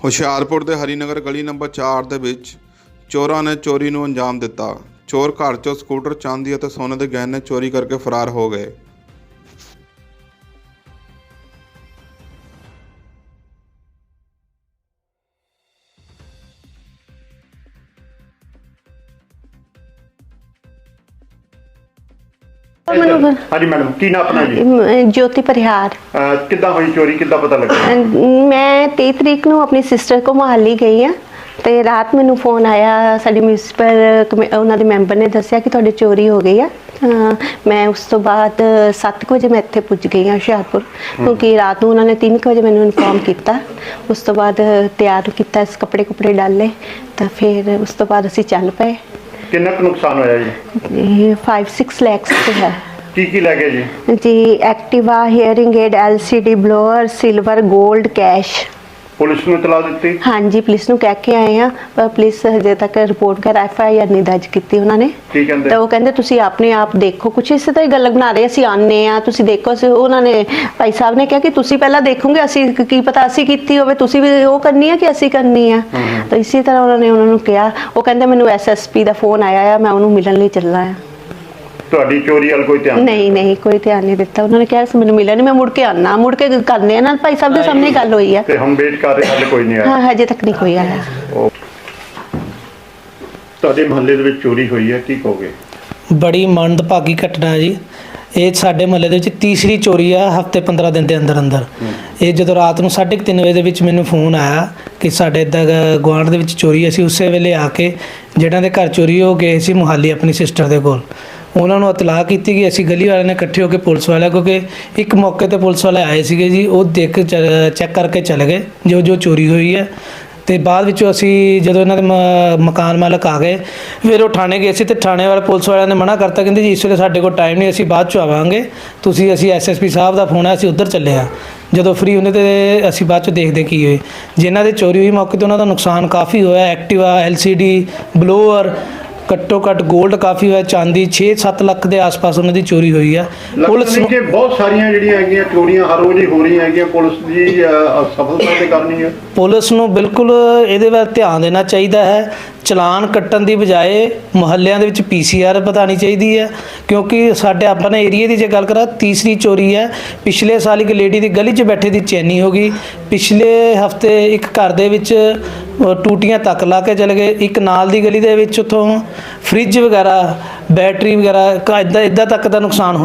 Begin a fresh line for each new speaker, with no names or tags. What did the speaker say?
ਹੁਸ਼ਿਆਰਪੁਰ ਦੇ ਹਰੀਨਗਰ ਗਲੀ ਨੰਬਰ 4 ਦੇ ਵਿੱਚ ਚੋਰਾਂ ਨੇ ਚੋਰੀ ਨੂੰ ਅੰਜਾਮ ਦਿੱਤਾ। ਚੋਰ ਘਰ 'ਚੋਂ ਸਕੂਟਰ, ਚਾਂਦੀ ਅਤੇ ਸੋਨੇ ਦੇ ਗਹਿਣੇ ਚੋਰੀ ਕਰਕੇ ਫਰਾਰ ਹੋ ਗਏ।
हाँ जी मैडम, की ना अपना जी?
ज्योति परिहार।
किद्दां होई चोरी, किद्दां पता लगा?
मैं 23 तरीक ਨੂੰ ਆਪਣੀ ਸਿਸਟਰ ਕੋ ਮੁਹਾਲੀ ਗਈ ਆ ਤੇ ਰਾਤ ਮੈਨੂੰ ਫੋਨ ਆਇਆ, ਸਾਡੀ ਮਿਊਨਿਸਪਲ ਉਹਨਾਂ ਦੇ ਮੈਂਬਰ ਨੇ ਦੱਸਿਆ ਕਿ ਤੁਹਾਡੀ ਚੋਰੀ ਹੋ ਗਈ ਆ। ਮੈਂ ਉਸ ਤੋਂ ਬਾਅਦ 7 ਵਜੇ ਮੈਂ ਇੱਥੇ ਪੁੱਜ ਗਈ ਆ ਹੁਸ਼ਿਆਰਪੁਰ, ਕਿਉਂਕਿ ਰਾਤ ਨੂੰ ਉਹਨਾਂ ਨੇ 3 ਵਜੇ ਮੈਨੂੰ ਇਨਫੋਰਮ ਕੀਤਾ। ਉਸ ਤੋਂ ਬਾਅਦ ਤਿਆਰ ਕੀਤਾ, ਇਸ ਕੱਪੜੇ ਡਾਲੇ ਤਾਂ ਫਿਰ ਉਸ ਤੋਂ ਬਾਅਦ ਅਸੀਂ ਚੱਲ ਪਏ।
किन्ना क नुकसान होया जी?
5-6 लाख से है
की ले गए जी?
जी Activa, hearing aid, LCD blower, silver, gold, cash.
Police ने इतला दी?
हाँ जी, पुलिस ਨੂੰ ਕਹਿ ਕੇ ਆਏ ਆ, ਪਰ ਪੁਲਿਸ ਹਜੇ ਤੱਕ ਰਿਪੋਰਟ ਕਰ FIR ਨਹੀਂ ਦਰਜ ਕੀਤੀ ਉਹਨਾਂ ਨੇ।
ਕੀ ਕਹਿੰਦੇ?
ਤਾਂ ਉਹ ਕਹਿੰਦੇ ਤੁਸੀਂ ਆਪਣੇ ਆਪ ਦੇਖੋ, ਕੁਛ ਇਸੇ ਤਰ੍ਹਾਂ ਹੀ ਗੱਲ ਬਣਾ ਰਹੇ, ਅਸੀਂ ਆਨੇ ਆ ਤੁਸੀਂ ਦੇਖੋ। ਅਸੀਂ ਉਹਨਾਂ ਨੇ ਭਾਈ ਸਾਹਿਬ ਨੇ ਕਿਹਾ ਕਿ ਤੁਸੀਂ ਪਹਿਲਾਂ ਦੇਖੋਗੇ, ਅਸੀਂ ਕੀ ਪਤਾ ਅਸੀਂ ਕੀਤੀ ਹੋਵੇ, ਤੁਸੀਂ ਵੀ ਉਹ ਕਰਨੀ ਆ ਕਿ ਅਸੀਂ ਕਰਨੀ ਆ। ਤਾਂ ਇਸੇ ਤਰ੍ਹਾਂ ਉਹਨਾਂ ਨੇ ਉਹਨਾਂ ਨੂੰ ਕਿਹਾ। ਉਹ ਕਹਿੰਦੇ ਮੈਨੂੰ SSP ਦਾ ਫੋਨ ਆਇਆ ਆ, ਮੈਂ ਉਹਨੂੰ ਮਿਲਣ ਲਈ ਚੱਲਣਾ ਆ।
ਤੁਹਾਡੀ ਚੋਰੀ ਵੱਲ ਕੋਈ ਧਿਆਨ
ਨਹੀਂ ਕੋਈ ਧਿਆਨ ਨਹੀਂ ਦਿੱਤਾ। ਉਹਨਾਂ ਨੇ ਕਿਹਾ ਸੀ ਮੈਨੂੰ ਮਿਲਿਆ ਨਹੀਂ, ਮੈਂ ਮੁੜ ਕੇ ਆਣਾ, ਮੁੜ ਕੇ ਕਰਨੇ ਆ ਨਾਲ। ਭਾਈ ਸਾਹਿਬ ਦੇ ਸਾਹਮਣੇ ਗੱਲ ਹੋਈ ਆ
ਤੇ ਹਮ ਵੇਟ ਕਰ ਰਹੇ, ਹਾਲੇ ਕੋਈ ਨਹੀਂ ਆਇਆ?
ਹਾਂ, ਹਜੇ ਤੱਕ ਨਹੀਂ ਕੋਈ ਆਇਆ।
ਤੁਹਾਡੇ ਮੁਹੱਲੇ ਦੇ ਵਿੱਚ ਚੋਰੀ ਹੋਈ ਹੈ, ਕੀ ਕਹੋਗੇ?
ਬੜੀ ਮੰਦਭਾਗੀ ਘਟਨਾ ਹੈ ਜੀ। ਇਹ ਸਾਡੇ ਮੁਹੱਲੇ ਦੇ ਵਿੱਚ ਤੀਸਰੀ ਚੋਰੀ ਆ ਹਫ਼ਤੇ 15 ਦਿਨ ਦੇ ਅੰਦਰ। ਇਹ ਜਦੋਂ ਰਾਤ ਨੂੰ 3:30 ਵਜੇ ਦੇ ਵਿੱਚ ਮੈਨੂੰ ਫੋਨ ਆਇਆ ਕਿ ਸਾਡੇ ਇੱਦਾਂ ਗੁਆਂਢ ਦੇ ਵਿੱਚ ਚੋਰੀ। ਅਸੀਂ ਉਸੇ ਵੇਲੇ ਆ ਕੇ ਜਿਹਨਾਂ ਦੇ ਘਰ ਚੋਰੀ ਹੋ ਗਏ ਸੀ ਮੁਹਾਲੀ ਆਪਣੀ ਸਿਸਟਰ ਦੇ ਕੋਲ, ਉਹਨਾਂ ਨੂੰ ਇਤਲਾਹ ਕੀਤੀ ਕਿ ਅਸੀਂ ਗਲੀ ਵਾਲਿਆਂ ਨੇ ਇਕੱਠੇ ਹੋ ਕੇ ਪੁਲਿਸ ਵਾਲਿਆਂ, ਕਿਉਂਕਿ ਇੱਕ ਮੌਕੇ ਤੇ ਪੁਲਿਸ ਵਾਲੇ ਆਏ ਸੀਗੇ ਜੀ, ਉਹ ਦੇਖ ਚੈੱਕ ਕਰਕੇ ਚਲੇ ਗਏ ਜੋ ਚੋਰੀ ਹੋਈ ਹੈ। ਤੇ ਬਾਅਦ ਵਿੱਚੋਂ ਅਸੀਂ ਜਦੋਂ ਇਹਨਾਂ ਦੇ ਮਕਾਨ ਮਾਲਕ ਆ ਗਏ, ਫਿਰ ਉਹ ਥਾਣੇ ਗਏ ਸੀ ਤੇ ਥਾਣੇ ਵਾਲੇ ਪੁਲਿਸ ਵਾਲਿਆਂ ਨੇ ਮਨਾ ਕਰਤਾ, ਕਹਿੰਦੇ ਜੀ ਇਸ ਵੇਲੇ ਸਾਡੇ ਕੋਲ ਟਾਈਮ ਨਹੀਂ, ਅਸੀਂ ਬਾਅਦ 'ਚ ਆਵਾਂਗੇ, ਅਸੀਂ SSP ਸਾਹਿਬ ਦਾ ਫੋਨ ਹੈ, ਅਸੀਂ ਉੱਧਰ ਚੱਲੇ ਹਾਂ। ਜਦੋਂ ਫ੍ਰੀ ਹੁੰਦੇ ਤੇ ਅਸੀਂ ਬਾਅਦ 'ਚ ਦੇਖਦੇ ਕੀ ਹੋਏ। ਜਿਨ੍ਹਾਂ ਦੇ ਚੋਰੀ ਹੋਈ ਮੌਕੇ 'ਤੇ ਉਹਨਾਂ ਦਾ ਨੁਕਸਾਨ ਕਾਫੀ ਹੋਇਆ। ਐਕਟਿਵਾ, LCD, ਬਲੋਅਰ, ਘੱਟੋ ਘੱਟ ਗੋਲਡ ਕਾਫੀ ਹੋਇਆ, ਚਾਂਦੀ 6-7 ਲੱਖ ਦੇ ਆਸ-ਪਾਸ ਉਹਨਾਂ ਦੀ ਚੋਰੀ ਹੋਈ ਆ।
ਪੁਲਿਸ ਨੇ ਕਿ ਬਹੁਤ ਸਾਰੀਆਂ ਜਿਹੜੀਆਂ ਹੈਗੀਆਂ ਚੋਰੀਆਂ ਹਰ ਰੋਜ਼ ਹੀ ਹੋ ਰਹੀਆਂ ਹੈਗੀਆਂ, ਪੁਲਿਸ ਦੀ ਸਫਲਤਾ ਤੇ ਕਰਨੀ ਹੈ।
ਪੁਲਿਸ ਨੂੰ ਬਿਲਕੁਲ ਇਹਦੇ ਵੱਲ ਧਿਆਨ ਦੇਣਾ ਚਾਹੀਦਾ ਹੈ। ਚਲਾਨ ਕੱਟਣ ਦੀ ਬਜਾਏ ਮੁਹੱਲਿਆਂ ਦੇ ਵਿੱਚ PCR ਵਧਾਉਣੀ ਚਾਹੀਦੀ ਹੈ, ਕਿਉਂਕਿ ਸਾਡੇ ਆਪਣੇ ਏਰੀਏ ਦੀ ਜੇ ਗੱਲ ਕਰਾਂ, ਤੀਸਰੀ ਚੋਰੀ ਹੈ। ਪਿਛਲੇ ਸਾਲ ਇੱਕ ਲੇਡੀ ਦੀ ਗਲੀ 'ਚ ਬੈਠੇ ਦੀ ਚੈਨੀ ਹੋ ਗਈ। ਪਿਛਲੇ ਹਫਤੇ ਇੱਕ ਘਰ ਦੇ ਵਿੱਚ ਟੂਟੀਆਂ ਤੱਕ ਲਾ ਕੇ ਚਲੇ ਗਏ। ਇੱਕ ਨਾਲ ਦੀ ਗਲੀ ਦੇ ਵਿੱਚ ਉੱਥੋਂ ਫ੍ਰਿਜ ਵਗੈਰਾ, ਬੈਟਰੀ ਵਗੈਰਾ ਇੱਦਾਂ ਤੱਕ ਦਾ ਨੁਕਸਾਨ